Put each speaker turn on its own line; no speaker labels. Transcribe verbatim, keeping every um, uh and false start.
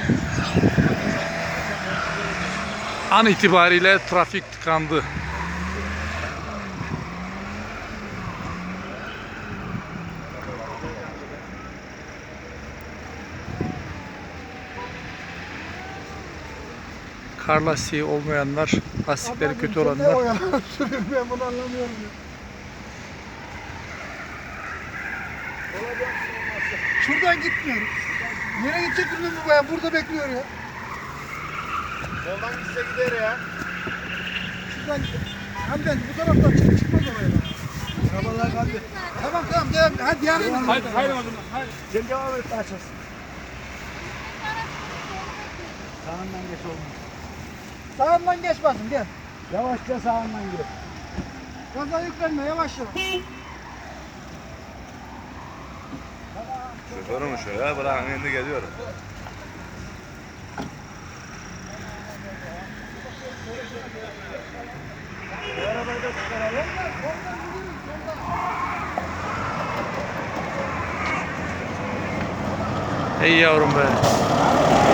An itibariyle trafik tıkandı. Kar lastiği olmayanlar, lastikleri kötü olanlar.
Ben bunu anlamıyorum ya. Şuradan gitmiyorum. Nereye gidecek bilmiyorum bu bayan. Burada bekliyor ya.
Soldan gitse gider ya.
Şuradan hem ben bu taraftan çık çıkmaz oraya. Arabalar kaldı. Tamam tamam devam. Hadi diğer yere.
Haydi haydi o zaman. Haydi. Sen devam et açasın. Sağından geç olmaz.
Sağından geçmezsin gel.
Yavaşça sağından gir.
Gaza yüklenme yavaş yavaş.
Şoförüm şu ya, bırakın şimdi geliyorum.
Arabayı da çıkaralım.
Ey yavrum be.